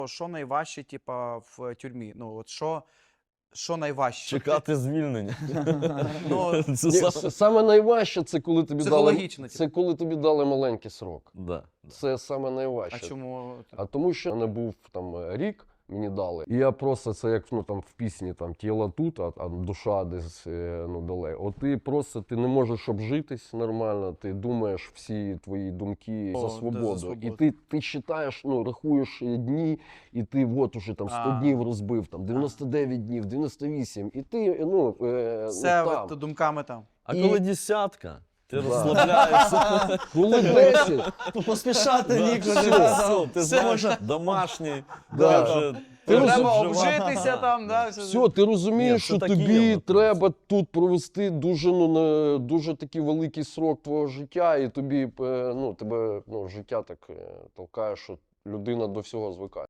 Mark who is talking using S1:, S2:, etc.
S1: Що найважче, типа, в тюрмі? Ну, от що найважче?
S2: Чекати звільнення.
S1: Ну,
S2: Це
S3: Ні,
S2: саме...
S3: саме найважче, це коли тобі дали,
S1: Психологічно,
S3: це коли тобі дали маленький срок.
S2: Да.
S3: Це саме найважче.
S1: а чому?
S3: А тому що не був там рік, мені дали. І я просто, це як там в пісні, там тіло тут, а душа десь далеко. От ти просто ти не можеш обжитись нормально, ти думаєш всі твої думки за свободу. І ти читаєш, рахуєш дні, і ти от уже там 100 днів розбив, там 99 днів, 98, і ти,
S1: Все
S3: там.
S1: думками там.
S2: А коли десятка, ти розслабляєшся.
S3: Коли 10,
S4: Поспішати нікуди.
S2: Все, ти
S4: Все
S2: знаєш,
S4: можна.
S2: домашній.
S3: Да.
S2: вже-
S1: Треба
S2: вже
S1: обжитися там, да?
S3: все, ти розумієш,
S2: Ні,
S3: що
S2: це так і є,
S3: тобі
S2: от.
S3: треба тут провести дуже такий великий срок твого життя, і тобі тебе життя так толкає, що людина до всього звикає.